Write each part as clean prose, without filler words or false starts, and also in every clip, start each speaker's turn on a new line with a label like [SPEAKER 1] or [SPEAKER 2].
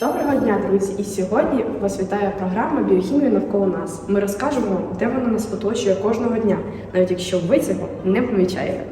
[SPEAKER 1] Доброго дня, друзі! І сьогодні вас вітає програма «Біохімія навколо нас». Ми розкажемо вам, де вона нас оточує кожного дня, навіть якщо ви цього не помічаєте.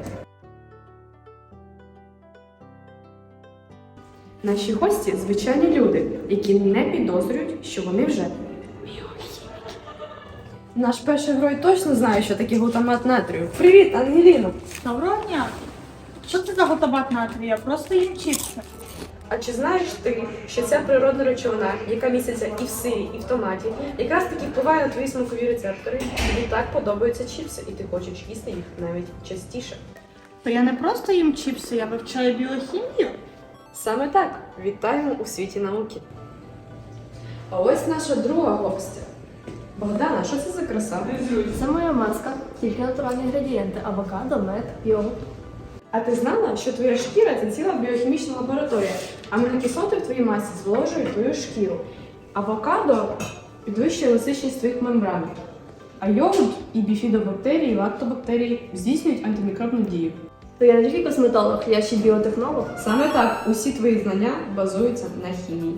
[SPEAKER 1] Наші гості – звичайні люди, які не підозрюють, що вони вже біохіміки. Наш перший герой точно знає, що таке глутамат натрію. Привіт, Ангеліно!
[SPEAKER 2] Доброго дня! Що це за глутамат натрію? Я просто їм чіпси.
[SPEAKER 1] А чи знаєш ти, що ця природна речовина, яка міститься і в сирі, і в томаті, якраз таки впливає на твої смакові рецептори, тобі так подобаються чіпси, і ти хочеш їсти їх навіть частіше?
[SPEAKER 2] То я не просто їм чіпси, я вивчаю біохімію.
[SPEAKER 1] Саме так. Вітаємо у світі науки. А ось наша друга гостя. Богдана, що це за краса?
[SPEAKER 3] Це моя маска, тільки натуральні інгредієнти – авокадо, мед, йогурт.
[SPEAKER 1] А ти знала, що твоя шкіра – це ціла біохімічна лабораторія? Амінокислоти в твоїй масі зволожують твою шкіру. Авокадо підвищує еластичність твоїх мембран. А йогурт і біфідобактерії, і лактобактерії здійснюють антимікробну дію.
[SPEAKER 3] То я не тільки косметолог, я ще й біотехнолог.
[SPEAKER 1] Саме так, усі твої знання базуються на хімії.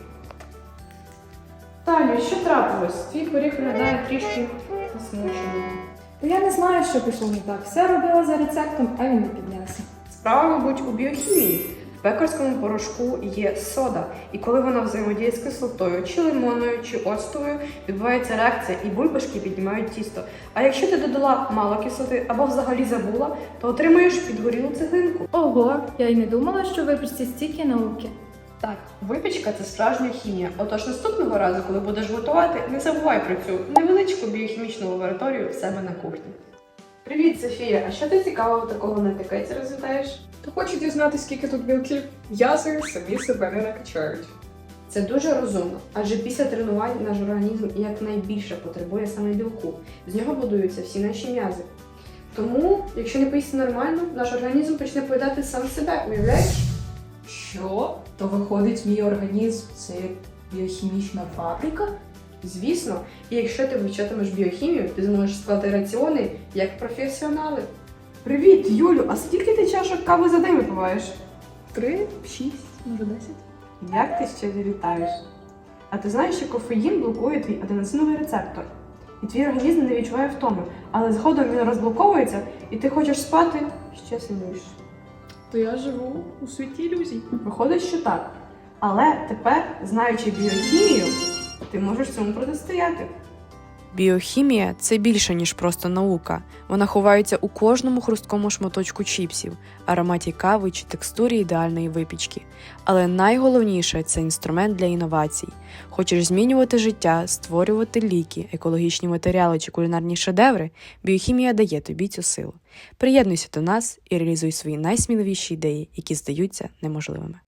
[SPEAKER 1] Талю, що трапилось? Твій пиріг виглядає трішки засмученим.
[SPEAKER 4] Я не знаю, що пішло не так. Все робила за рецептом, а він не піднявся.
[SPEAKER 1] Справа, мабуть, у біохімії. В пекарському порошку є сода, і коли вона взаємодіє з кислотою, чи лимонною, чи оцтовою, відбувається реакція, і бульбашки піднімають тісто. А якщо ти додала мало кислоти або взагалі забула, то отримаєш підгорілу цеглинку.
[SPEAKER 3] Ого, я й не думала, що ви прості стільки науки.
[SPEAKER 1] Так, випічка – це справжня хімія. Отож наступного разу, коли будеш готувати, не забувай про цю невеличку біохімічну лабораторію в себе на кухні. Привіт, Софія! А що ти цікавого такого на етикеті розглядаєш?
[SPEAKER 5] Та хочу дізнатися, скільки тут білків. М'язи самі себе не накачають.
[SPEAKER 1] Це дуже розумно, адже після тренувань наш організм якнайбільше потребує саме білку. З нього будуються всі наші м'язи. Тому, якщо не поїсти нормально, наш організм почне поїдати сам себе, уявляєш?
[SPEAKER 4] Що? То виходить, мій організм – це біохімічна фабрика?
[SPEAKER 1] Звісно, і якщо ти вивчатимеш біохімію, ти зможеш склати раціони як професіонали. Привіт, Юлю! А скільки ти чашок кави за день випиваєш?
[SPEAKER 4] 3, 6, може 10.
[SPEAKER 1] Як ти ще вітаєш? А ти знаєш, що кофеїн блокує твій аденосиновий рецептор? І твій організм не відчуває втоми, але згодом він розблоковується, і ти хочеш спати ще сильніше.
[SPEAKER 4] То я живу у світі ілюзій.
[SPEAKER 1] Виходить, що так. Але тепер, знаючи біохімію, ти можеш цьому протистояти.
[SPEAKER 6] Біохімія – це більше, ніж просто наука. Вона ховається у кожному хрусткому шматочку чіпсів, ароматі кави чи текстурі ідеальної випічки. Але найголовніше – це інструмент для інновацій. Хочеш змінювати життя, створювати ліки, екологічні матеріали чи кулінарні шедеври – біохімія дає тобі цю силу. Приєднуйся до нас і реалізуй свої найсміливіші ідеї, які здаються неможливими.